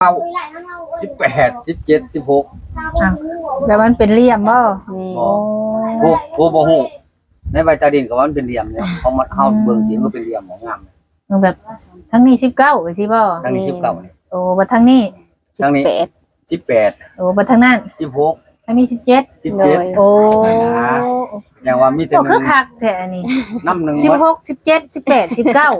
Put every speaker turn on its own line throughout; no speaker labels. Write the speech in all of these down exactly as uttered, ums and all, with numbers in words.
เก้าสิบแปดสิบเจ็ดสิบหก
แล้วมันเป็นเหลี่ยมบ่
โอ้ผู้ผู้บ่ฮู้ในใบตาดินก็ว่ามันเป็นเหลี่ยมเนี่ยเขามาเฮาเบิ่งสิมันเป็นเหลี่ยมของงาม
แบบทั้งนี้สิบเก้าสิบ่
ทั้งนี้สิบเก้านี่
โอ้บ่ทั้งนี้
ทั้งนี้สิบแปด
โอ้บ่ทั้งนั้น
สิบหก
ทั้งนี้สิบเจ็ด
สิบเจ็ด
โอ้
อย่างว่ามีแต่
นึงคือคักแท้อันนี้
น้ำหนึ่ง
สิบหก สิบเจ็ด สิบแปด สิบเก้า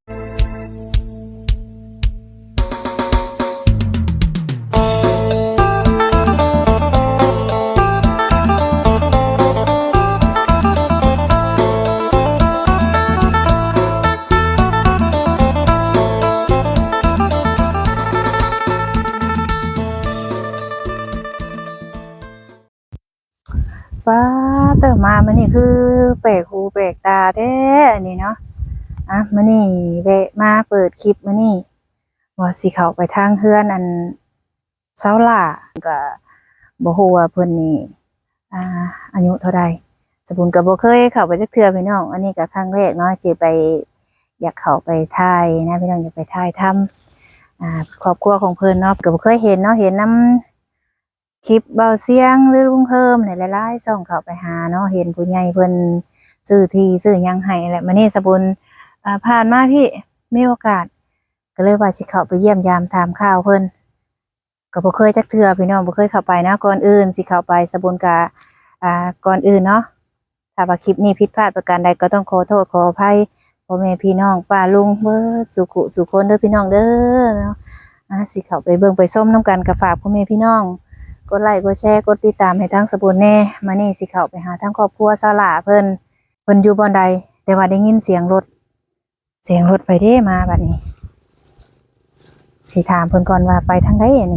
ป้าเติมมามันนี่คือแปลกหูแปลกตาแท้อันนี้เนาะอ่ะมันนี่แวะมาเปิดคลิปมันนี่ว่าสิเข้าไปทางเฮือนอันเซาล่าก็บ่ฮู้ว่าเพิ่นนี่อ่าอายุเท่าใดสบุญก็บ่เคยเข้าไปจักเทื่อพี่น้องอันนี้ก็ครั้งแรกเนาะสิไปอยากเข้าไปถ่ายนะพี่น้องอยากไปถ่ายทำอ่าครอบครัวของเพิ่นเนาะก็บ่เคยเห็นเนาะเห็นนำคลิปเบาเสียงหรือลุงเพิ่มหลายๆส่องเข้าไปหาเนาะเห็นผู้ใหญ่เพิ่นซื้อที่ซื้อหยังให้แหละมื้อนี้สบุญอ่าผ่านมาพี่มีโอกาสก็เลยว่าสิเข้าไปเยี่ยมยามถามข่าวเพิ่นก็บ่เคยจักเทื่อพี่น้องบ่เคยเข้าไปนะก่อนอื่นสิเข้าไปสบุญก็อ่าก่อนอื่นเนาะถ้าว่าคลิปนี้ผิดพลาดประการใดก็ต้องขอโทษขออภัยพ่อแม่พี่น้องป้าลุงเบิดสุขุสุคนเด้อพี่น้องเด้อเนาะอ่าสิเข้าไปเบิ่งไปส้มน้ำกันก็ฝากพ่อแม่พี่น้องกดไลค์กดแชร์กดติดตามให้ทั้งสบุญแน่มานี่สิเข้าไปหาทั้งครอบครัวซาลาเพิ่นเพิ่นอยู่บ่อนใดแต่ว่าได้ยินเสียงรถเสียงรถไปเด้มาบัดนี้สิถามเพิ่นก่อนว่าไปทางใดนี่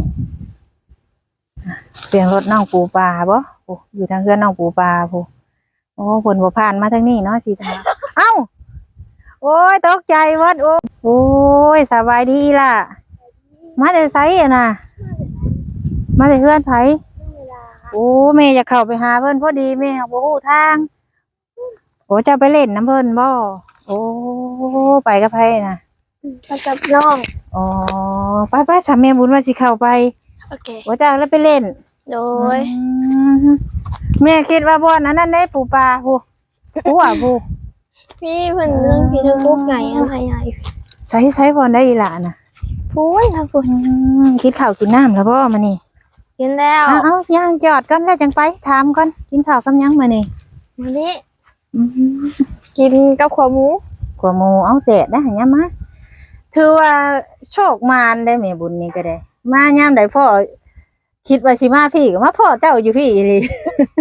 เสียงรถน้องปูปลาบ่โอ้อยู่ทางเฮือนน้องปูปลาพูโอ้เพิ่นบ่ผ่านมาทางนี้เนาะสิถามเอ้าโอ้ยตกใจเบิดโอ้โอ้ยสบายดีล่ะมาแต่ไสอ่ะน่ะมาแต่เฮือนไผโอ้แม่จะเข้าไปหาเพิ่นพอดีแม่บ่ฮู้ทางโอ้จะไปเล่นน้ำเพิ่นบ่โอ้ไปกับไผน่ะ
ไปกับน้อง
อ๋อไปไปสามแม่บุญว่าสิเข้าไป
โอเค
โอ้จ้าแล้วไปเล่น
โดย
แม่คิดว่าบ่อนนั้นนั่นได้ปูปลาผู้ผู้อ่ะผู้
พี่เพิ่นเรื่องพี่ทั้งกุ๊กไก่อะไรใหญ่
ใช้ใช้บ่อนได้อีหล่ะน่ะ
พูดค่ะคุณ
กินข้าวกินน้ำแล้วบ่มานี่
กินแล้ว
เอาเอาย่างจอดกันแล้วจังไปถามก่อนกินข้าวกับยังมานี่
มานี่กินกับขวาหมู
ขวาหมูเอาแตะได้หันยามมาถือว่าโชคมารได้แม่บุญนี่ก็ได้มายามใดพ่อคิดว่าสิมาพี่ก็มาพ่อเจ้าอยู่พี่อีหลี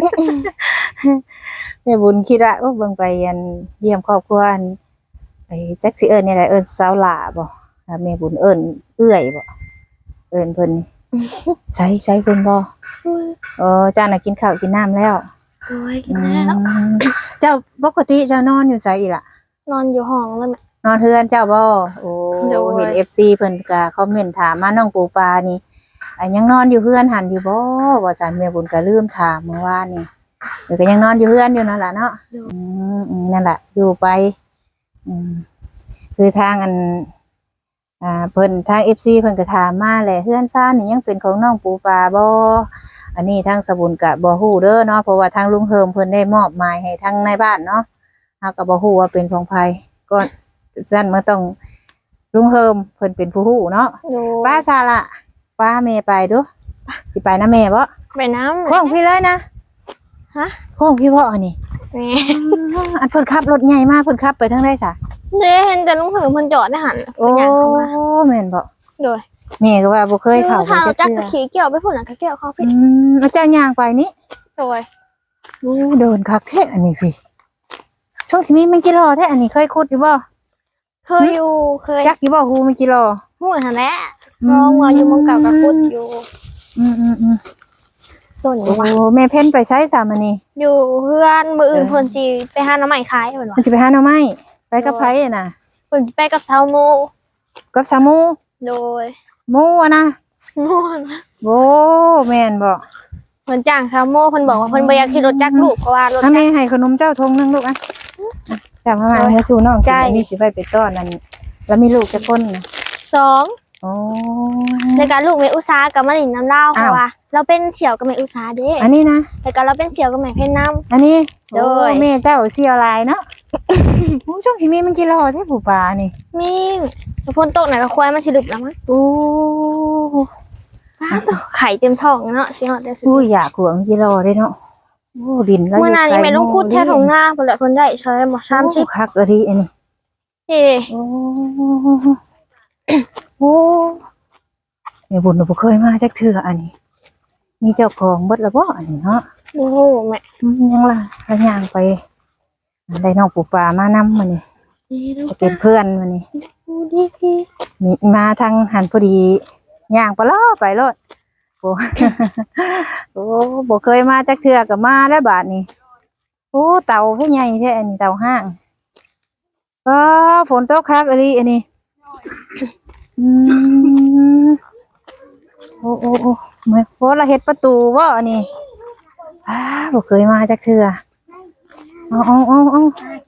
แม่บุญคิดว่าโอ้เบิ่งไปยันเยี่ยมครอบครัวไปจักสิเอิ้นนี่แหละเอิ้นสาวหล่าบ่แม่บุญเอิ้นเอื้อยบ่เอิ้นเพิ่นใช้ใช้เพิ่นบ่เออเจ้าน่ะกินข้าวกินน้ำแล้ว
โอ้ยกินแล้ว
เจ้าปกติเจ้านอนอยู่ไสอีล่ะ
นอนอยู่ห้องแล้วแม่
นอนเฮือนเจ้าบ่โอ้เห็น เอฟ ซี เพิ่นก็คอมเมนต์ถามมาน้องปูปลานี่อันยังนอนอยู่เฮือนหันอยู่บ่ว่าซั่นแม่บุญก็ลืมถามเมื่อวานนี่เดี๋ยวก็ยังนอนอยู่เฮือนอยู่นั่นล่ะเนาะอืมนั่นล่ะอยู่ไปอืมคือทางอันอ่าเพิ่นทาง เอฟ ซี เพิ่นก็ถามมาแหละเฮือนซ่านนี่ยังเป็นของน้องปูปลาบ่อันนี้ทางสบุญก็บ่ฮู้เด้อเนาะเพราะว่าทางลุงเฮิมเพิ่นได้มอบหมายให้ทางในบ้านเนาะเฮาก็บ่ฮู้ว่าเป็นของไผก็ซั่นมันต้องลุงเฮิมเพิ่นเป็นผู้ฮู้เนาะป้าซาละป้าแม่ไปดูสิไปนะแม่บ่
ไปน้ำ
ของพี่เลยนะ
ฮะ
ของพี่บ่อันนี้
แม่
อันเพิ่นขับรถใหญ่มากเพิ่นขับไปทางใดซะ
เด้เห็นแต่ลุงเหิมเพิ่นจอดได้หั่น
โอ้แม่นบ่
โดย
แม่ก็ว่าบ่เคยเข้าไปจักเทื่อ
ขี่เกี่ยวไปพุ่นน่ะก็เกี่ยวเขาพี่
อืมอาจารย์ย่างไปนี่
โดย
โอ้เดินคักแท้อันนี้พี่ช่วงสิมีมันกี่โลแท้อันนี้เคยขุดอยู่บ่
เคยอยู่เคย
จักอยู่บ่ฮู้มันกี่โล
ฮู้หั่นแหละมองว่าอยู่มองเก่าก็ขุดอยู่
อืมๆๆต้นว่าโอ้แม่เพิ่นไปไสซะมื้อนี้
อยู่เฮือนมื้ออื่นเพิ่นสิไปหาหน่อไม้ขายเพิ่นว่า
เพิ่นสิไปหาหน่อไม้ไปกับไผน่ะ
เพิ่นสิไปกับชาวโม
กับชาวโม
โดย
โมอ่ะนะ
โม
โอ้แม่นบ่
เพิ่นจ้างชาวโมเพิ่นบอกว่าเพิ่นบ่อยากขี่รถจักรลูกเพราะว่ารถจักร
แม่ให้ขนมเจ้าทงนึงลูกอ่ะจับมามาให้สู่น้องใจมีสิไปไปต้อนนั่นแล้วมีลูกจักคนน่ะ
สอง
โอ้
แล้วก็ลูกแม่อุตสากับมาลินน้ำเล่าเพราะว่าเราเป็นเสี่ยวกับแม่อุตสาเด้
อันนี้นะ
แล้วก็เราเป็นเสี่ยวกับแม่เพ่นน้ำ
อันนี้
โดย
โอ้แม่เจ้าเสียลายเนาะ โอ้ช่วงที่มีมันกิโลแท้ผู้ปลานี่
มีแล้วพ่นโต๊ะไหนก็ควายมาฉลุบแล้วมั้ง
โอ้
ไข่เต็มท้องเนาะสิฮอดได้สิ
อุ้ยอยากขวงกิโลได้เนาะโอ้ดินแล้ว
เมื่อนานนี้แม่ลงพูดแท้ของหน้าเพิ่นแหละเพิ่นได้ใช้หมอสามสิบ
คักอะทีอันนี้
นี่
โอ้โอ้แม่บุญบ่เคยมาจักเทื่ออันนี้ มีเจ้าของเบิดแล้วบ่อันนี้เนาะ
โอ้โหแม่
อืมยังล่ะระย่างไปได้น้องปูปลามานำมื้อนี้
นี่ดู
ไปเป็นเพื่อนมื้อนี้
ดูดิพี่
มีมาทางหันพอดีย่างไปล้อไปรถโอ้ โอ้บ่เคยมาจักเทื่อก็มาแล้วบาดนี้โอ้เต่าเพิ่นใหญ่แท้อันนี้เต่าห้างก็ฝนตกคักอันนี้อันนี้อืมโอ้โอ้โอ้เหมือนฝนละเฮ็ดประตูบ่อันนี้อ้าบ่เคยมาจักเทื่อเอาเอาเอาเอา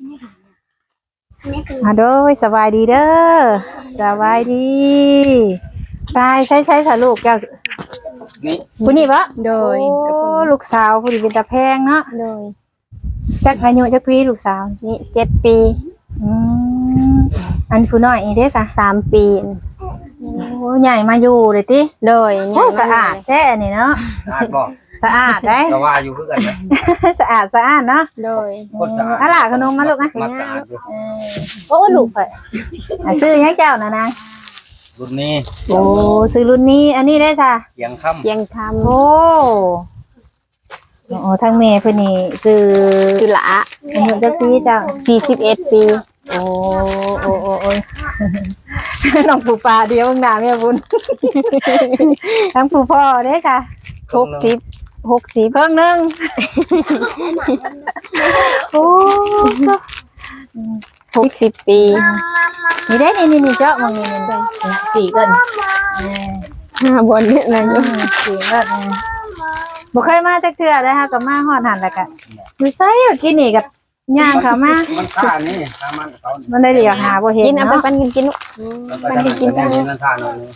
อ่ะโดยสบายดีเด้อสบายดีตายใช้ใช้สาลูกแก้ว
นี่
ผู้นี้ปะ
โดย
โอ้ลูกสาวผู้นี้เป็นตาแพงเนาะ
โดย
จักอายุจักปีลูกสาว
นี่เจ็ดปี
อืมอันผู้น้อยอีเด้สะ
สามปี
โอ้ใหญ่มาอยู่เลยติ
โดย
โอ้สะอาดแท้อันนี้เนาะ
อาดบ่
สะอาดได้
ก็ว่าอยู่คือกันนะ
สะอาดสะอาดเนาะ
โดย
โคตรสะอาด
อะล่ะขนมมาลูกนะ
มัดสะอาดอยู่
โอ้ลูกเพิ่นอ่ะซื้อหยังเจ้าน่ะนาง
รุ่นนี้
โอ้ซื้อรุ่นนี้อันนี้ได้ซะ
เสียงค่ำ
ยังท
โอ้โอ้ทางแม่เพิ่นนี่ซื้อ
ำสุละ
อายุจักปีเจ้า
สี่สิบเอ็ดปี
โอ้โอ้โอ้โอ้ย น้องปูปลาเดียวหน้าแม่บุญ ทั้งปูพ่อเด้ค่ะ
หกสิบหกสิบ
เพิ่งหนึงโอ้
หกสิบปี
นี่ได้นี่นี่นี่เจาะมองนี่นี่นะสี่เกิน
ห้าบนเนี่ยนะอยู่
สี่เกินบ่เคยมาจักเทื่อเลยค่ะกับมาฮอดหันแล้วก็อยู่ไสอะกินนี่กับย่างเข้ามา
มันค่านี่ถ้ามันเขา
มันได้เหลียวหาบ่เห็น
กินเอาไป
เนาะ
ปันกันกินลูก
มันจะกินได้นี่นั่นท่านั่นนี่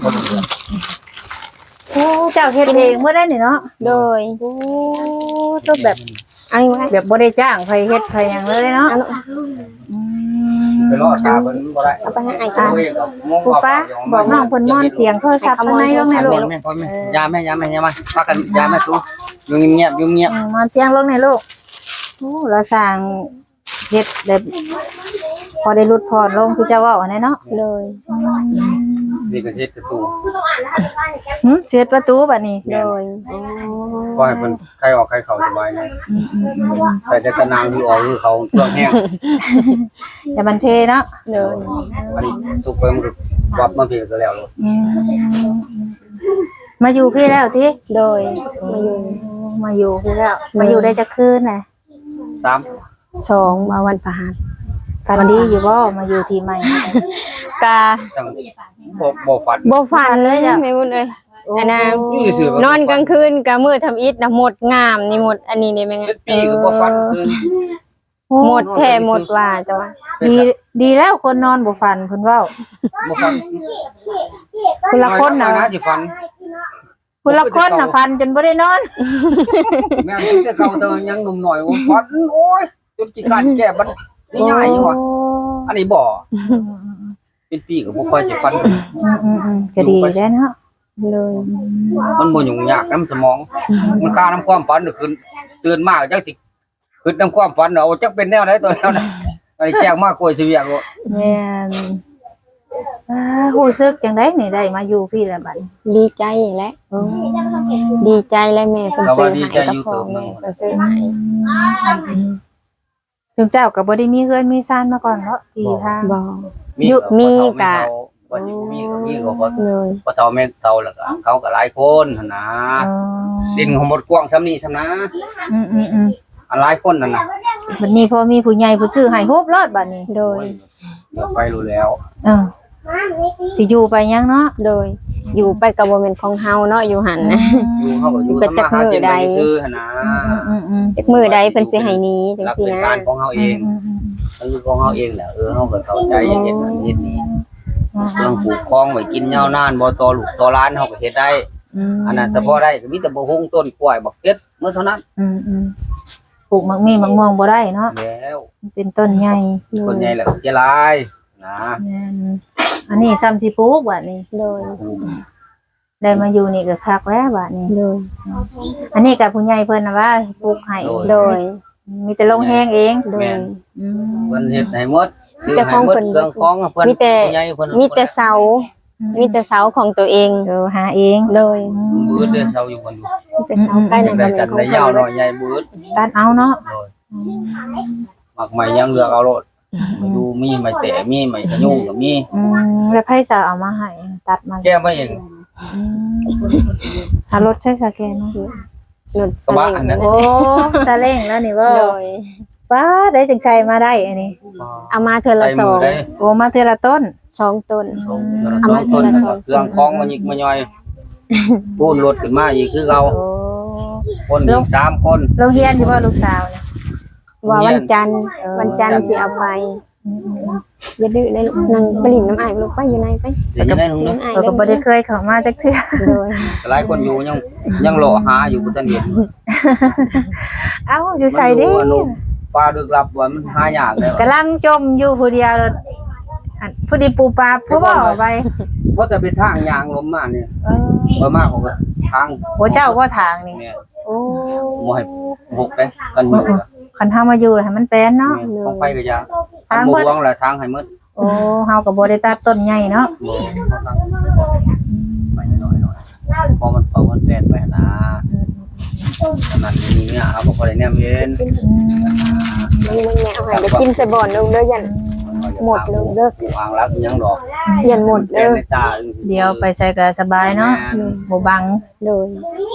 โอ้เจ้าเฮ็ดเองเมื่อได้นี่เนาะ
โดย
โอ้ตัวแบบ
อันนี้ไว้
แบบบ่ได้จ้างไผเฮ็ดไผหยังเลยเนาะอืม
ไปรอดตาเพิ่นบ่ได้
เอาไปให้ไอ้
ตั
กัน
วเองก็งง
ปูป้าบอกน้องเพิ่นม่อนเสียงโทรศัพท์ข้างในลงใน
แม่
ลูก
แม่พ่อแม่ยาแม่ยาแม่ยามาพากันยาแม่สู้อยู่เงียบอยู่เงียบ
อืมม่อนเสียงลงในลูกโอ้เราสร้างเฮ็ดแบบพอได้รุดพอลงคือเจ้าเว้าอันนั้นเนาะ
เลย
นี่ก็เช็ดกระตู
หึเสียดประตูบัดนี้
โดย
ปล่อยเพิ่นใครออกใครเข้าสบายนะใส่แต่ตะนางที่ออกคือเขาเครื่องแห้ง
อย่ามันเทเนาะ
เลย
มันทุกไปมันก็วับมาเพียก็แล้วเลย
อืมมาอยู่พี่แล้วติ
โดยมาอยู่
มาอยู่พี่แล้วมาอยู่ได้จักคืนน่ะ
สาม
สองมาวันพฤหัส
ฝันดีอยู่บ่มาอยู่ที่ใหม่
กา
จังบ่บ่ฝัน
บ่ฝันเลยจ้ะไม่บุญเลยอันน่ะ
อยู่ซื่อน
อนกลางคืนกะมืดทำอิฐน่ะหมดงามนี่หมดอันนี้นี่แม่ง
เจ็ดปีก็บ่ฝันคืน
หมดแท้หมดว่าจ้ะว่า
ดีดีแล้วคนนอนบ่ฝันเพิ่นเว้า
บ่ฝัน
คนละคนน่ะ
นะสิฝัน
คนละคนน่ะฝันจนบ่ได้นอน
แม่นแต่เก่าแต่ยังหนุ่มหน่อยโอ้ฝันโอ้ยจนกี่การแก้บัดนี่ง่ายอยู่ว่ะอันนี้บ่เป็นปีก็บ่ค่อยสิฝัน
อืมๆๆก็ดีแล้วเนาะ
เลย
มันบ่ยุ่งยากนำสมอง มันค่าน้ำความฝันก็คือตื่นมาจักสิคือน้ำความฝันเอาจักเป็นแนวใดตัวแนวนั้นไอ้แจ้งมากกว่าสิเวียกบ่
แม่นอ่ารู้สึกจังได๋นี่ได้มาอยู่พี่แล้วบัดนี้
ดีใจแหละดีใจแล้วแม่เพิ่นซื้อให้กับพ่อแม่เพิ่นซื้อให้
จุมเจ้าก็บ่ได้มีเฮือนมีซ่านมาก่อนเนาะที่ทาง
บ่
มี
ยุมีกะ
ว่าสิมีก็มีก็บ่
เลย
บ่เฒ่าแม่เฒ่าแล้วก็เขาก็หลายคนหั่นนะ
อ๋อ
ดินของหมดกว้างซำนี้ซำนะ
อืมๆ
อันหลายคนนั่นน่ะ
ๆบัดนี้พอมีผู้ใหญ่ผู้ซื้อให้ฮูบรอดบัดนี้
โด
โอ้
ย
ยเดี๋ยวไปรู้แล้ว
เออสิอยู่ไปยังเนาะ
โดยอยู่ไปกับบ่แม่นของเฮาเนาะอยู่หั่นนะ
อยู่เฮาก็อยู่
เป็น
ทำมาหากิน
จักมื้อใด
ไปซื้อหั่นนะ
อืมๆ
จักมื้อใดเพิ่นสิให้หนี้จัง
รัก
ซี่
เป็น
นะ
การของเฮาเอง
ๆ
มันคือของเฮาเองแหละเออเฮาก็เข้าใจอย่างเฮ็ดนั่นเฮ็ดนี่เครื่องปลูกคลองไว้กินยาวนานบ่ต่อลูกต่อหลานเฮาก็เฮ็ดได้
อืม
อันนั้นเฉพาะได้ก็มีแต่บ่ฮุงต้นกล้วยบักเป็ดเมื่อเท่านั้น
อืมอืมปลูกมักมีมักม่วงบ่ได้เนาะ
แล้ว
มันเป็นต้นใหญ่
คนใหญ่แล้วก็เสียหลายนะ
แม่นอันนี้ซ้ำสิปลูกบัดนี้
โดย
ได้มาอยู่นี่ก็คักแล้วบัดนี้
โดย
อันนี้กับผู้ใหญ่เพิ่นน่ะว่าปลูกให้
โดย
มีแต่ลงแฮงเอง
โดย
อืม
เพิ่นเฮ็ดให้หมดซื้อ
เจ้า
ให้
ของ
หมด
เพิ่น
เครื่องของเพิ่น
มีแต่
ผู้ใหญ่เพิ่น
มีแต่เสา มีแต่เสาของตัวเอง
เดี๋ยวหาเอง
โดย
บืดเด้อเซาอยู่คนอยู่
มีแต่เสาใกล้ใน
ได้
บ้าน
สัน
ของ
ได้
เพิ่
ยาวน หน่อยใหญ่บืด
ตัดเอาเนาะ
โดยมักใหม่ยังเลือกเอาโลดดูมีไม้แตะมีไม้กระยุ่งก็มี
อืมแล้วไผจะเอามาให้ตัดมา
แก้มาเอง
อืมหารถใช้สแกนเนาะ
หนุด
กระบะอันนั้น
โอ้ซาเล้งแล้วนี่บ่
โดย
ป้าได้จังใช้มาได้อันนี้
เอามาเธอละ
ใส่
ส
มื
อ
อง ได้
โอ้มาเทอละต้น
สองต้น
สองส
เอา
อง
มา
ต้น
ทีละสอง
เครื่องคล้องมายิกมาย่อยพูนรถขึ้นมาอีกคือเรา
โอ้
คนอีกสามคน
โรงเรียนที่ว่าลูกสาวเนี่ย
ว่าวันจันทร์วันจันทร์สิเอาไป
อืม
อย่าดื้อได้ลูกนั่งไปหลินน้ำอายลูกไปอยู่ไหนไป
เดี๋ยวจะได้ลุงนึก
น้ำอาย
ๆเราก็บ่ได้เคยเข้ามาจักเทื่อ
โดย
หลายคนอยู่ยังยังรอหาอยู่บ่ทันเห็น
เอ้าอยู่ใส่เด้
มันรู้ว่าลูกปลาดึกลับว่ามันหายากแล้ว
กำลังจมอยู่ผู้เดียวเลยอันผู้ดีปูปลาผู้บ่อไป
เพราะแต่เป็นทางยางลมมาเนี่ย
เออ
บ่มากของก็ทาง
โอ้เจ้าว่าทางนี่
เนี่ย
โอ้
บ่ให้หกไปกันอยู่
คันเฮามาอยู่แล้วให้มันเป็นเนาะ
ของไปก็ยา
ทาง
บ่
เบิด
หวงแหละทางให้หมด
โอ้เฮาก็บ่ได้ตัดต้นใหญ่เนาะ
บ่ไปน้อยๆพอมันพอมันแปลนไปนะนั่นนี่เนี่ยเอาบ่ได้แนมเย็น
มึงมึงแม่เอาให้เดี๋ยวกินใส่บ่อนลูกเด้อยัน หมดเลยเด้อ
วางรักยังดอก
ยันหมด
แปล
เด้
น
อ
ในตา
เดี๋ยวไปใส่ก็สบายเนาะบ่บัง
โดย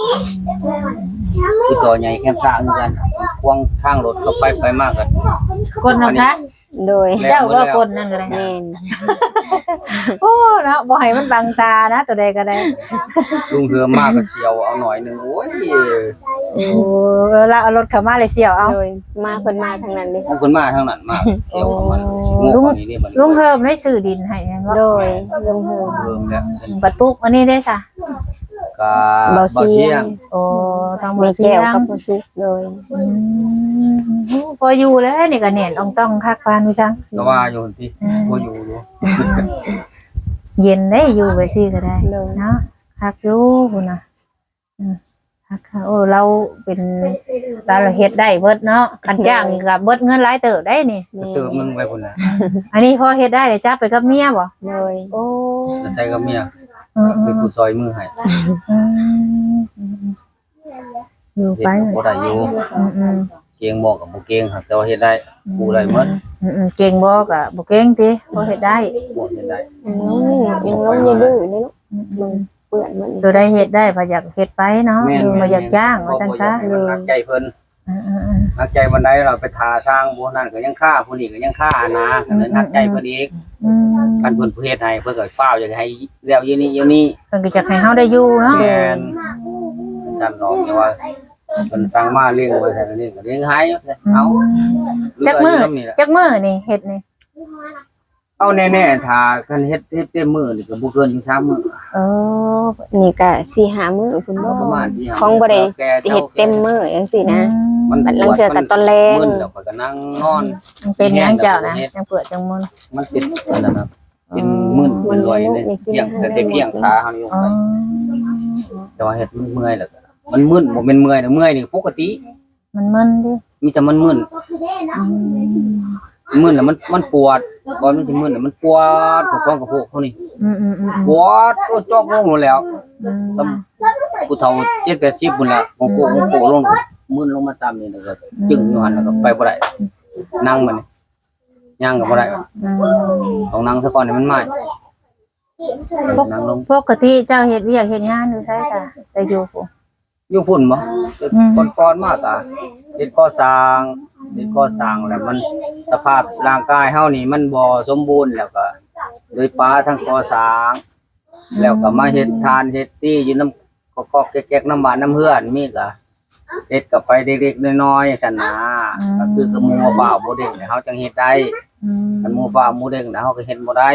คือตัวใหญ่แค่สร้างเหมือนกันควงทางรถเข้าไปไปมากกัน
คนเนาะคะ
โดย
เจ้าก็คนนั่นก็ได้
แม่น
โอ้เนาะบ่ให้มันบังตานะตัวใดก็ได้
ลุงเหือมากก็เสียวเอาหน่อยนึงโอ้ย
โอ้เวลาเอารถเข้ามาเลยเสียวเอา
โดยมาเพิ่นมาทางนั้นเด้
เอาคนมาทางนั้นมากเสียวของมันสิโง่กว่านี้นี่มัน
ลุงเฮิมได้ซื้อดินให้ยังว่า
โดยลงเฮือ
เริ่มแล้ว
บัดปุ๊กอันนี้ได้ซะ
ก็
เบา
เบา
เสี
เชี
ย
ย
ง
ง
โอ้ทาง
แม่
บ่เสี
แก้
ยว ง
กับบ่ซุกโดย
อืมพออยู่แล้วนี่ก็แน่นอ่องต้องคักปานวิซัง
ก็ว่าอยู่ที่บ่อยู่อยู่
เย็นได้อยู่ไปซี่ก็ได้
โดย
เนาะคักอยู่พุ่นน่ะอืมคักค่ะโอ้เราเป็นเราเฮ็ดได้เบิดเนาะคันจ้างนี่ก็เบิดเงินหลายเติบได้นี่
แม่
เติมมึงไปพุ่นน่ะ
อันนี้พอเฮ็ดได้เดี๋ยวจับไปกับเมียบ่
โดย
โอ้
จะใส่กับเมีย
เออ
เป็นผู้ซอยมือให้
ๆอืมอยู่
เฮ็ด
ไป
บ่ได้อยู่
อืมอืม
เกียงบอกกับบ่เกียงครับแต่ว่าเฮ็ดได้กูได้หมด
อืมอืมเก่งบ่ก็บ่เก่งติบ่เฮ็ดได้
บ่เฮ็ดได้
อืมยังลงอย่าดื้อนี่ลูก
อืม
ลงเปื้อนมัน
ตัวใดเฮ็ดได้พออยากเฮ็ดไปเนาะ
แม่น
บ่อยากจ้างว่าซั่นซะ
บ่อยากให้มันหนักใจเพิ่น
อืมๆ
หนักใจวันใดเราไปทาสร้างผู้นั้นก็ยังฆ่าผู้นี้ก็ยังฆ่านะก็เลยหนักใจเพิ่นอีก
ๆอืม
คันเพิ่นเฮ็ดให้เพิ่นก็ฟ้าวอยากให้แล้วอยู่นี่อยู่นี่
เพิ่นก็อยากให้เฮาได้อยู่เนาะ
แม่นสั่นน้องอย่าว่าเพิ่นสั่งมาเลี้ยงไว้แต่นี่ก็เลี้ยงให้เอา
จักมื้อ
เหลืยู่นี่แหละ
จักมื้อนี่เฮ็ดนี่
เอาแน่ๆถ้าคันเฮ็ดเฮ็ดเต็มมื้อนี่ก็บ่เกินอยู่สามมื้อ
เออ
นี่ก็สี่ห้ามื้อคุณบ่
ประมาณที่
ของบ่ได้เฮ็ดเต็มมื้อจังซี่นะ
มัน
บัดลังเทื่อก็ตอนแลง
มึนแล้วก็นั่งนอน
มันเป็นหยังเจ้านะจังเปิดจังมึน
มันเป็นอันนั้นนะเป็นมึนเป็นรอยเลยเพียงแต่แต่เพียงขาเฮานี่ลง
อ๋อ
ไปแต่ว่าเฮ็ดมันเมื่อยแล้วก็มันมึนบ่แม่นเมื่อยนะเมื่อยนี่ปกติ
มันมึนดิ
มีแต่มันมึน
อืม
มึนแล้วมันมันปวดก่อนมันสิมึนแล้วมันปวดกระฟองกระโพกเฮานี่
อืมอืมอืม
ปวดโอ้จอกลงหมดแล้ว
อืม
ซ้ำผู้เฒ่าเจ็ดแปดสิบพุ่นละโกโก้โกโก้ลงมึนลงมาตามนี่แล้วก็จึงอยู่หั่นแล้วก็ไปบ่ได้นั่งมันนี่ย่างก็บ่ได้
อืม
ต้องนั่งซะก่อนให้มันไหม้นั่งลง
ปกติเจ้าเฮ็ดเวียกเฮ็ดงานอยู่ไสจ้ะแต่อยู่ผู้
อยู่พุ่นบ่
อืม
คนก่อนมาก็เฮ็ดก่อสร้างเฮ็ดก่อสร้างแล้วมันสภาพร่างกายเฮานี่มันบ่สมบูรณ์แล้วก็โดยป้าทั้งก่อสร้าง แล้วก็มาเฮ็ดทานเฮ็ดตี้อยู่นำกอกๆแก๊กๆน้ำบ้านน้ำเฮือนมีก็เฮ็ดก็ไปเด็กๆน้อยๆซั่นนะก็คือคือหมู่ฟ้าบ่เด้งเนี่ยเฮาจังเฮ็ดได้
อืม
คันหมู่ฟ้าหมู่เด้งน่ะเฮาก็เฮ็ดบ่ได้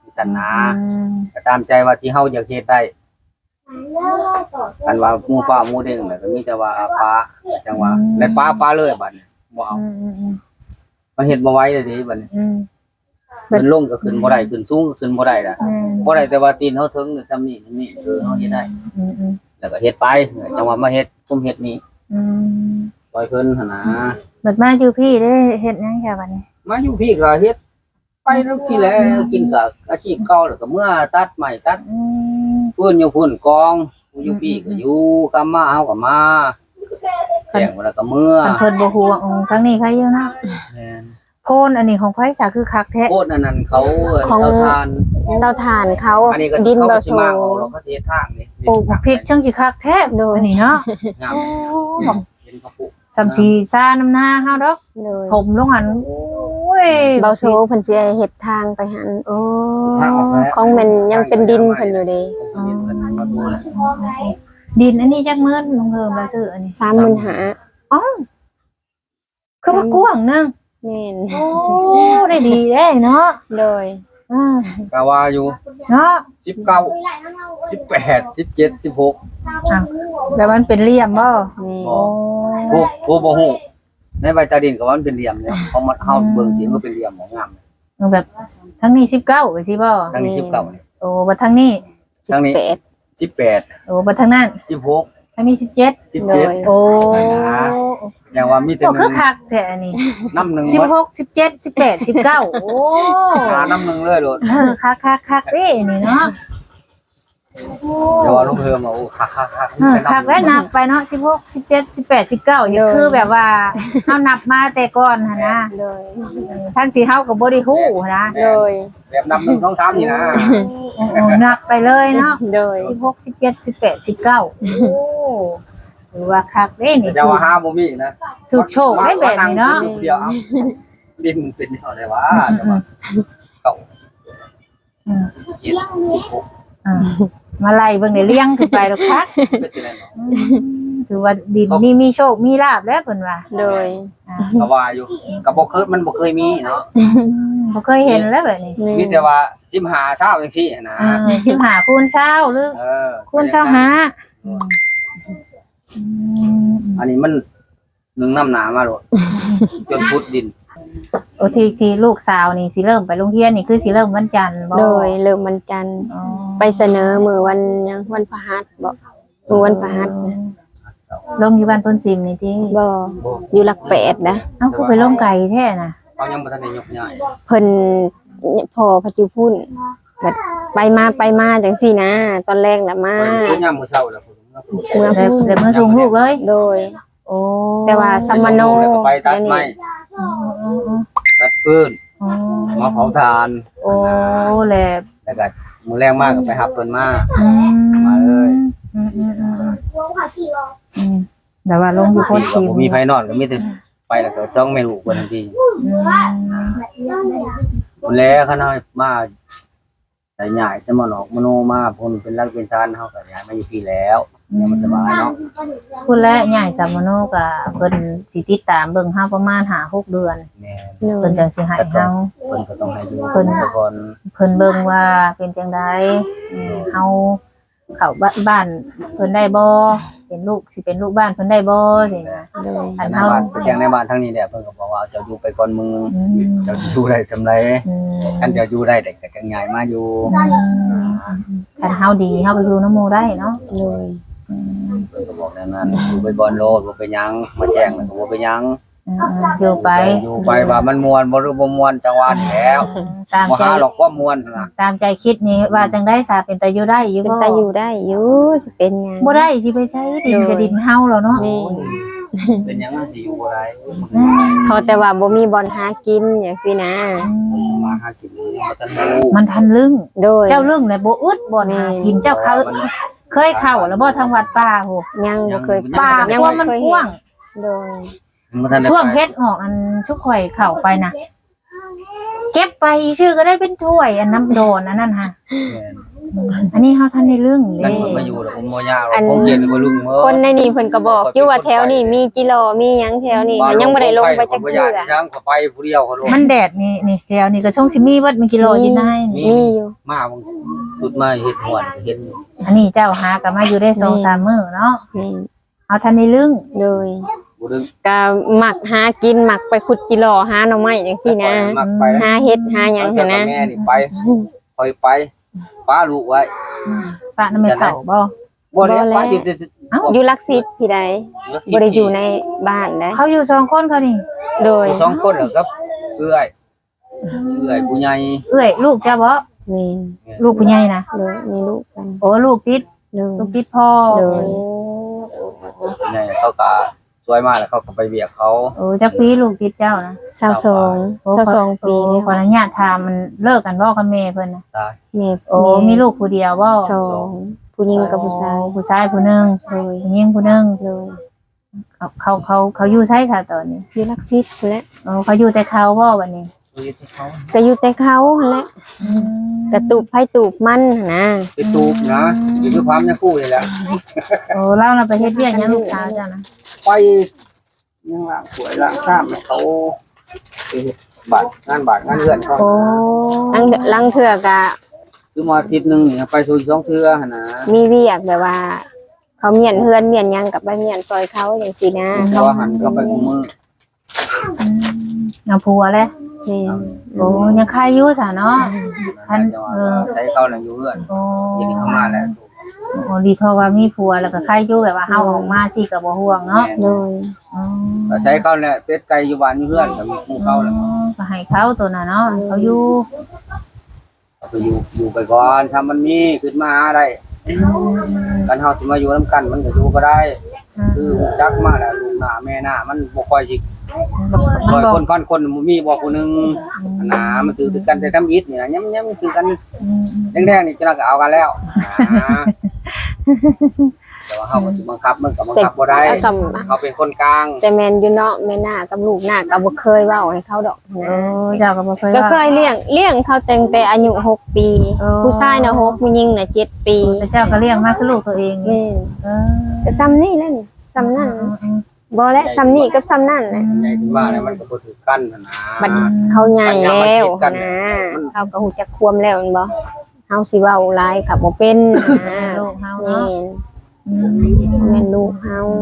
สันนะ
อืม
ก็ตามใจว่าที่เฮาอยากเฮ็ดได้กันว่าหมู่ฟ้าหมู่เด้งน่ะก็มีแต่ว่าป้าจังว่าและป้าป้าเลยบัดนี้บ่เอา
อืมอืมอืม
มันเฮ็ดบ่ไหวเลยดิบัดนี้
อืม
ขึ้นลงก็ขึ้นบ่ได้ขึ้นสูงก็ขึ้นบ่ได้ล่ะ
แม่น
บ่ได้แต่ว่าตีนเฮาถึงนี่ซำนี้นี่คือเฮาเฮ็ดได้
อืมอืม
แล้วก็เฮ็ดไปจังว่ามาเฮ็ดคุมเฮ็ดนี่
อืม
ปล่อยเพิ่นหั่นนะ
บัดมาอยู่พี่ได้เฮ็ดหยังแค่บัดนี้
มาอยู่พี่ก็เฮ็ดไปทุกทีแหล้วกินกับอาชีพเก่าแล้วก็เมื่อตัดไม้ตัด
อืม
ฟืนอยู่ฝุ่นกองอยู่พี่ก็อยู่กำมาเอาก็มาแจ้งว่าแล้วก็เมื่อ
คันเพิ่นบ่ฮู้ว่าอืมครั้งนี้ใครอยู่นะ
แม่น
โพนอันนี้ของไผสาคือคักแท้
โคตรอันนั้นเขา
ของ
เตาทาน
เตาถ่านเขา
อันนี้ก็
ดิน
เขา
บ่
ก็
โซ
สิมาเอาเราก็สิเฮ็ดทางนี่
ปลูกพริกจังสิคักแท้อันนี้เนาะ
งาม
โอ้บอก
เห็นเขาปลูก
สำสีซ่าน้ำหน้าเฮาดอก
เลย
ถมลงอันโอ้ย
เบาโซเพิ่นสิเฮ็ดทางไปหัน
โอ้
ทางออกแล้ว
ของมันยังเป็นดินเพิ่นอยู่เด้
เห็นเพิ่นมาดูแล
ดินอันนี้จักมื้อลงเฮิมแล้วซื้ออันนี้
สามหมื่นห้า
อ๋อคือมันกว้างนึง
แม่น
โอ้ได้ดีเด้เนาะ
โดย
อ่า
ก็ว่าอยู่
เนาะ
สิบเก้า สิบแปด สิบเจ็ด สิบหก
อ่ะแล้วมันเป็นเหลี่ยมบ่
แม่
บ่ ผู้ผู้บ่ฮู้ในใบตาดินก็ว่ามันเป็นเหลี่ยมเนี่ยเขามาเฮาเบิ่งสิมันเป็นเหลี่ยมของงาม
มันแบบทั้งนี้สิบเก้าไปสิบ่
ทางนี้สิบเก้านี่
โอ้บัดทั้งนี้
ทางนี้
แปด
สิบแปด
โอ้บัดทั้งนั้น
สิบหก
ทั้งนี้สิบเจ็ด
สิบเจ็ด
โดย
โอ้
อย่างว่ามีแต่
โอ้
ห
คื
นึ่
อง คักแท้อันนี้
น้ำหนึ่ง
สิบ
วัด
หกสิบเจ็ดสิบแปดสิบเก้าโอ้
หาน้ำหนึ่งเลยโดด
เออคักคักคักเด้นี่เนาะโอ้
เดี๋ยวว่าลูกเพิ่มมาโอ้คักคักคัก
เออคักแล้วนับไปเนาะสิบหกสิบเจ็ดสิบแปดสิบเก้านี่คือแบบว่าเฮานับมาแต่ก่อนหั่นนะ
โดย
ทั้งที่เฮาก็บ่ได้ฮู้นะ
โดย
แบบนับหนึ่งสองสามนี่นะ
โอ้โอ้นับไปเลยเนาะ
โดย
สิบหกสิบเจ็ดสิบแปดสิบเก้าโอ้ถือว่าคักเด้นี่
จะว่าห้าบ่มีนะ
ถูกโชคได้แบบนี้เนาะ
เดียวเอาดินเป็นเท่าไหร่วะจะว่าเก้า
อืม
เจ็ดสิบหก
อ่ามาไล่เบิ่งได้เลี้ยงขึ้นไปดอกคัก
เป็นจังได๋เนาะ
อืมถือว่าดินนี่มีโชคมีลาภแล้วเพิ่นว่า
โดย
อ่า
ก็ว่าอยู่ก็บ่เคยมันบ่เคยมีเนาะ
บ่เคยเห็นแล้วแบบนี้
มีแต่ว่าสิบห้าเช้าจังซี่นะ
เออสิบห้าคูณเช้าหรือ
เออ
คูณเช้าหาอืมอืม
อันนี้มันหนึ่งน้ำหนามาโลดจนพุดดิน
โอ้ที่ที่ลูกสาวนี่สิเริ่มไปโรงเรียนนี่คือสิเริ่มวันจันทร์บ่
โดยเริ่มวันจันทร์
อ๋อ
ไปเสนอมือวันยังวันพฤหัสบ่มือวันพฤหัสนะ
ลงอยู่บ้านเพิ่นซิมนี่ติ
บ่อยู่หลักแปดนะ
เอ้าคือไปลงไกลแท้น่ะ
เขายังบ่ทันได้ยกย้าย
เพิ่นพอปัจจุพุ่นแบบไปมาไปมาจังซี่นะ ตอนแรกน่ะมา
เพิ่นยามมื้อเช้าแล้วผม
เมือง
แล้ว
พุ่น
แล้วมื้อส่งลูกเลย
โดย
โอ้
แต่ว่าสัมมโน
แล้วก็ไปตัดไม้
อ๋ออ๋ออ๋อ
ตัดฟืน
อ๋อ
มาเผาถ่าน
โอ้แหละ
แล้วก็มื้อแรงมากก็ไปหับเพิ่นมา
อืม
มาเลย
อืมอืมอืมอืมแต่ว่าลงอยู่โพน
ก็
ซิม
บ่มีไผนอนก็มีแต่ไปแล้วก็จ้องแม่ลูกเพิ่นทันที
อืม
พุ่นแล้วเขาน้อยมาแต่ใหญ่สมนอกมโนมาเพิ่นเป็นรักเป็นทานเฮาก็ย้ายมาอยู่พี่แล้วเนี่ยมันสบายเนาะ
คุณและใหญ่สามโนก็เพิ่นสิติดตามเบิ่งเฮาประมาณห้าหกเดือน
แม่
โด
เพิ่
ย
นจังสิให้เฮา
เพิ่นก็ต้องให้อยู่
เพิ่น
ทุกคน
เพิ่นเบิ่งว่าเป็นจังไดอืมเฮาเข้าบ้านบ้านเพิ่นได้บ่เป็นลูกสิเป็นลูกบ้านเพิ่นได้บ่สินะ
โดย
อัน
ใน
เฮา
บ้านไปแจ้งในบ้านทั้งนี้แหละเพิ่นก็บอกว่าเจ้าอยู่ไปก่อนมึง
อืม
เจ้าอยู่ได้สำไร
อืม
คันเจ้าอยู่ได้แต่ก็จังใหญ่มาอยู่
คันเฮาดีเฮาก็อยู่นำหมู่ได้เนาะ
โดย
อืม
เพิ่นก็บอกแนวนั้นอยู่ไปก่อนโลดบ่เป็นหยังมาแจ้งแล้วก็บ่เป็นหยัง
อืมอยู่ไป
อยู่ไปว่ามันม่วนบ่หรือบ่ม่วนจังหวะนี้แล้ว
ตาม
บ่
ใจ
หาหรอกความม่วนนั่นน่ะ
ตามใจคิดนี่ว่าจังได้สาเป็นตาอยู่ได้อยู่
เป็น
บ่
ตาอยู่ได้อยู่สิเป็นหยัง
บ่ได้สิไปใช้ดินกับดินเฮาแล้วเนาะ
แม่
เป็นหยังสิอยู่บ่ได้
อืม
เขาแต่ว่าบ่มีบอลหากินอย่างซี่นะ
มาหากินบ่ทันรู้
มันทันลึง
โดย
เจ้าลึงเลยบ่อึดบ่หากินเจ้าเขาเคยเข้าแล้วบ่ทางวัดป่าโห
ยังบ่เคย
ป่า
ยั
กว่ามัน
เคย
ก
เห็
ว้าง
โดย
บ่ทันได้
ช่วง
ไป
เฮ็ดออกอันชุกข่อยเข้าไปน่ะเก็บไปชื่อก็ได้เป็นถ้วยอันน้ำโดนอันนั้นฮะ
แม่น
อันนี้เฮาทันได้เรื่อง
นั่
เด้
นมันมาอยู่แล้วผมบ่ยากหรอกผมเย็นก็ลุงเมื่อ
คนในนี่เพิ่นก็บอกอยู่ว่าแถวนี้มีจิโลมีหยังแถวนี้ก็ยังบ่ได้ลงไปจัก
บ่
เทื่
ยา
อ
กช้างก็ไปผู้เดียวเขาลง
มันแดดนี่นี่แถวนี่ก็ช่องสิมีวัดมีกิโลจินายนี่
มีอยู่
มาบางจุดมาเฮ็ดหวนเห็น
อันนี้เจ้าหาก็มาอยู่ได้สองสามมื้อเนาะ
นี่
เฮาทันได้เรื่อง
เลย
บ่ดึง
ก็หมักหากินหมักไปขุดจิโลหาหน่อไม้จังซี่นะ
มักไป
หาเฮ็ดหาหยัง
หั
หั่นนะ
แม่นี่ไปคอยไปป้าลูกไว้
ป้าน้ำไม่เฒ่าบ่
บ่ได้ป้าอยู่แต่
อยู่ลักซิตพี่ใดบ่ได้อยู่ในบ้านได้
เขาอยู่สองคนเขานี่
โดย
สองคนแล้วกับเอื้อยเอื้อยผู้ใหญ่
เอ้ยลูกเจ้าบ่
แม่น
ลูกผู้ใหญ่นะ
โดยมีลูกกัน
โอ้ลูกติด
โดย
ลูกติดพ่อ
โดย
ผู้ใหญ่เขาก็สวยมากแล้วเขาก็ไปเบียกเขา
โอ้จักปีลูกติดเจ้านะ
สาวสอง
โอ้
สาวสองปี
โอ้
เลย
ขออนุญาตถามมันเลิกกันบ่กับแม่เพิ่นน่ะ
ตาย
แม่
โอ้มีลูกผู้เดียวบ่
สองผู้หญิงกับผู้ชาย
โอ้ผู้ชายผู้หนึง
โดย
ผู้หญิงผู้หนึง
โดย
เขาเขาเขาเขาอยู่ไสซะตอนนี้
อยู่ลักซิตพู้นแหละ
โอ้เขาอยู่แต่เขาบ่บัดนี้
ชีวิตที่เขา
ก็อยู่แต่เขาหั่นแหละกระตูบไผตูบมันหั่นนะ
ไปตูบนะนี่คือความยังคู่นี่แหละ
โอ้เราน่ะไปเฮ็ดเวียกหยังลูกสาวเจ้านะ
ไปยังล้างสวยล้างซ้ำให้เขาไปเฮ็ดบาดงานบาดงานเลื่อนเขา
โอ้
ลังลังเทื่อก็
คือมาอาทิตย์หนึงนี่ไปสู่สองเทื่อหั่นนะ
มีเวียกแบบว่า เขาเมียนเฮือนเมียนหยังกับไปเมียนซอยเขาจังซี่นะ
เพราะว่าหันก็ไปคุมมือ
เอาผัวเลย
นี่
โอ้ยังใครอยู่ซะเนาะ คันเออ
ใช้เขาน่ะอยู่เอื้อน
โอ้
ทีนี้เขามาแล้ว
โอ้ดีทอว่ามีผัวแล้วก็ใครอยู่แบบว่าเฮาออกมาสิก็บ่ห่วงเนาะ
โดย
อ๋อ
ก็ใช้เขาแหละเป็ดไก่อยู่บ้านอยู่เอื้อนก็มีหมู่เขาแหละ
ก็ให้เขาตัวน่ะเนาะเขาอยู่
เอาไปอยู่อยู่ไปก่อนถ้ามันมีขึ้นมาได้กันเฮาสิมาอยู่นํกันมันก็อยู่ก็ได้ คือฮู้จักมาแล้วลูกหน้าแม่หน้ามันบ่ค่อยสิ
มัน
ร้อย
บอก
คนพันคนมีบ่ผู้หนึงอันนะมันถือกันแต่ทำอิฐนี่นะย้ำๆคือกัน
อืม
แดงๆนี่จะก็เอากันแล้วนะแต่ว่าเฮาก็สิบังคับมันก็บังคับบ่ได้
เอากับ
เขาเป็นคนกลาง
แต่แม่นอยู่เนาะแม่หน้ากับลูกหน้าก็บ่เคยเว้าให้เขาดอก
โอ้
นะ
เจ้าก็บ่เคย
ก็
ว่า
เคยเลี้ยงเลี้ยงเขาตั้งแต่อายุหกปี
อ๋อ
ผู้ชายน่ะหกผู้หญิงน่ะเจ็ดปี
แต่เจ้าก็เลี้ยงมาคือลูกตัวเอง
แม่น
เออ
ก็ซ้ำนี่แหละนี่ซ้ำนั่นบ่และซ้ำนี่กับซ้ำนั่นแหละ
ใหญ่ขึ้นมาแล้วมันก็บ่ถือกันนะนะ
บัดเขาใหญ่แล้ว
มัน
นะ
มัน
เขาก็ฮู้จักความแล้วแม่นบ่เฮาสิเว้าหลายก็บ่เป็นนะ
ลูกเฮา
แม่
เนาะ
น
อืม
แม่นลูกเฮา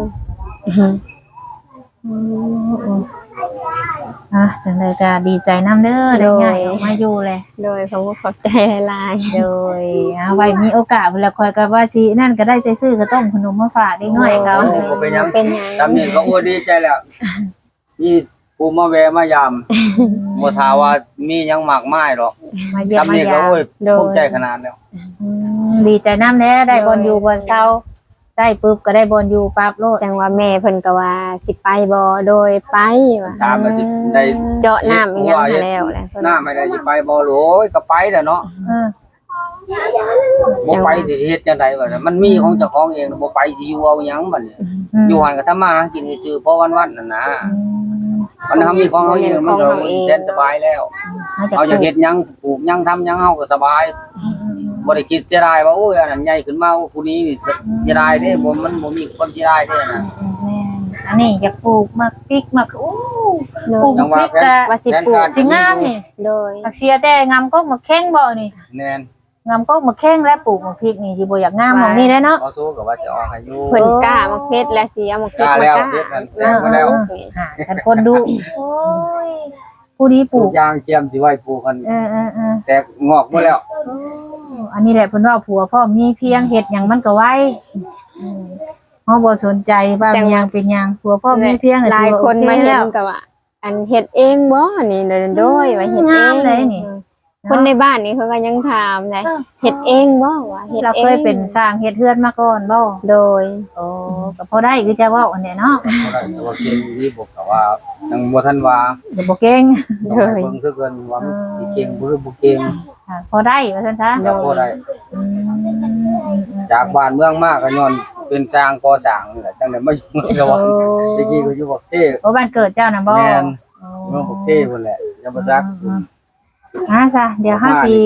อ่ะจังได๋ก็ดีใจนํเด้อได้ย้ายออกมาอยู่เลย
โดยเขาก็ขอบใจหลาย
โดยเอาไว้มีโอกาสเวลาคอยก็ว่าสินั่นก็ได้แต่ซื้อก็ต้มขนมมาฝากเด็กน้อยเขา
โอ้บ่เป็นหยัง
เป็นหยัง
จำนี่ก็โอ้ดีใจแล้วนี่ผู้มาแวะมายามบ่ทาว่ามีหยังมากมายหรอก
มาเยี่ยม
จำ
มา
นี่ก็
ยาม
โอ้ยภูมิใจขนาดแล้ว
อืมดีใจน้ำแน่ได้บอลอยู่บอลเศร้าได้ปุ๊บก็ได้บอลอยู่ปั๊บโลด
จังว่าแม่เพิ่นก็ว่าสิไปบ่โดยไปว่า
ตามมาสิได้
เจาะน้ำอีหยังหาแล้วแหละเพิ่น
น้าไม่ได้สิไปบ่โหลยก็ไปแหล้วเนาะ
เออ
บ่ไปสิเฮ็ดจังได๋วะมันมีของเจ้าของเองบ่ไปสิอยู่เอาหยังบัดนี้
ม
อยู่หันก็ทำมาหากินซื่อๆเพราะวันๆนั่นนะ
อืม
มันทำมีของเขาเองมันก็แสนสบายแล้ว
เขาจะ
เอาอยากเฮ็ดหยังปลูกหยังทำหยังเฮาก็สบายบ่ได้คิดเสียดายว่าโอ้ยอันนั้นใหญ่ขึ้นมาผู้นี้นี่เสียดายเด้บ่มันบ่มีความเสียดายเด้นะ
แม่นอันนี้อยากปลูกมักพริกมักอู้
โด
ปลู
ย
กมักพริกก็
ว่าสิปลูก
สิงามนี่
โดย
ผักเสียแต่งามก็มักแข้งบ่นี่
แน่น
งามก็มักแข้งและปลูกมักพริกนี่สิบ่อยากงามหม่องนี้ได้เนาะ
บ่สู้ก็ว่าสิออกให้อยู่
เพิ่นกล้ามาเพชรและสิเอามาเพชร
กล้า
มา
แล้ว
กล้า
เฮ็ดนั่นแล้วก็แล้ว
หากันคนดูโอ้ยผู้นี้ป
ปลู
ลู
ก
ก
ยางเจียมสิไว้ปลูกกัน
เออเออเออ
แตกงอกหมดแล้ว
อันนี้แหละเพิ่นว่าผัวพ่อมีเพียงเฮ็ดหยังมันก็ไว้อืมเฮาบ่สนใจว่ามีหยังเป็นหยังผัวพ่อมีเพียง
หลายคนมาเห็
แล้
น
ว
ก็ว่า อันเฮ็ดเองบ่นี่โดยโดยว่าเฮ็ดเอง
งามเลยนี่
คนในบ้านนี่เขาก็ยังถามเลยเฮ็ดเองบ่ว่าเฮ็ด
เรา
เอง
เคยเป็นสร้างเฮ็ดเฮือนมาก่อนบ่
โดย
โอ้ก็พอได้คือจะเว้าอันนี้เนาะ
บ่ได้แต่ว่าเก่งที่บอกก็ว่ายังบ่ทันว่า
ก็บ่เก่ง
ต้องให้เบิ่งซะเกินว่ามันสิเก่งบ่หรือบ่เก่ง
ค่ะพอได้ว่าซั่นซะ
ก็บ่ได้
อืม
จากบ้านเมืองมาก็ย้อนเป็นสร้างก่อสร้างนี่แหละจังได๋มาอยู่เมืองสวรรค์ตะกี้ก็อยู่บักเซ่
โอ้บ้านเกิดเจ้าน่ะบ่
แม่น
โอ้
เมืองบักเซ่พุ่นแหละยังบ่ซัก
อ่าซะเดี๋ยวเฮาสิ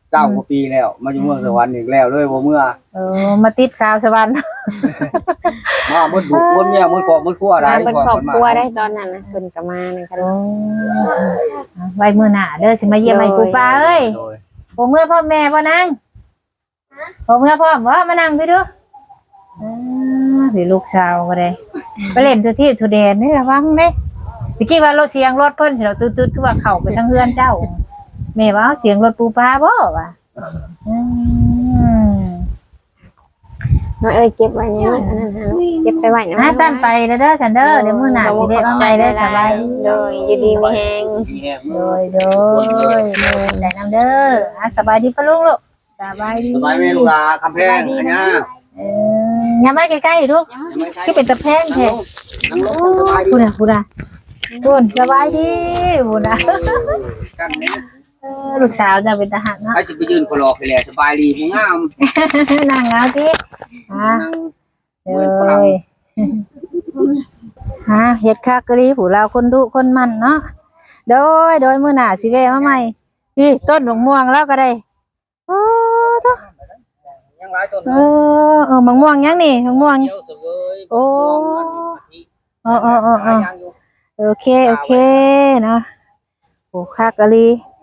เจ้ากว่าปีแล้วมาอยู่เมืองสวรรค์อีกแล้วเลยบ่เมื่อ
เออมาติดสาวสวรรค์
มาหมดบุกหมดเมียหมดครอบหมดครัวได้
มาเป็น
ก่อน
ครอบ
เพิ่น
ครัว
มา
ได้ตอนนั้นน่ะเพิ่นก็มานั่นกัน
โอ้ไว้มื้อหน้าเด้อสิมาเยี่ยมไอ้ปูปลาเอ้ย
โดย
บ่เมื่อพ่อแม่บ่นางบ่เมื่อพ่อบ่มานั่งพี่ดูอ่าสิลูกสาวก็ได้ไปเล่นทุที่ทุแดนนี่ระวังเด้ตะกี้ว่ารถเสียงรถเพิ่นสิเราตืดๆคือว่าเข้าไปทางเฮือนเจ้าแม่ว่าเสียงรถปูปลาบ่ว่ะอืม
น้อยเอ้ยเก็บไว้ในนั้นอันนั้นหาลูกเก็บไปไว้นะ
อ่ะสั่นไปเด้อเด้อสั่นเด้อเดี๋ยวมื้อหน้าสิได้มาใหม่เด้อสบายดี
โดยอยู่ดีมีแฮง
มีแฮง
โดยโดยโดยใจน้ำเด้ออ่ะสบายดีปะลุงลูกสบายดี
สบายแม่ลูกหลาคำแพงอันเนี้ย
เอออย่ามาใกล้ๆลูกคือเป็นตะแพงแท้
นั่งลงสบายดี
พูดน่ะพูดน่ะพูดสบายดีพูดน่ะ
ช่างนี้
เออลูกสาวจะเป็นทหารเนาะ
ให้สิไปยืนคนรอไปแลสบายดีบ่งาม
นั่งเอาติอ่ะ
นั่ง
เอ้
เหมือนฝรั่ง
ยฮะเฮ็ดคักกะลีผู้เราคนดุคนมันเนาะโดยโดยมื้อหน้าสิแวะมาใหม่พี่ต้นมะม่วงแล้วก็ได้โอ้โต
ยังหลายต้น
เออเออมะม่วงยังนี่มะม่วง
เขียวเสวย
โอ้
ม่วงอันนี้
อ๋ออ๋ออ๋อ
หลายอย่างอยู่
โอเคโอเคเนาะโอ้คักกะลี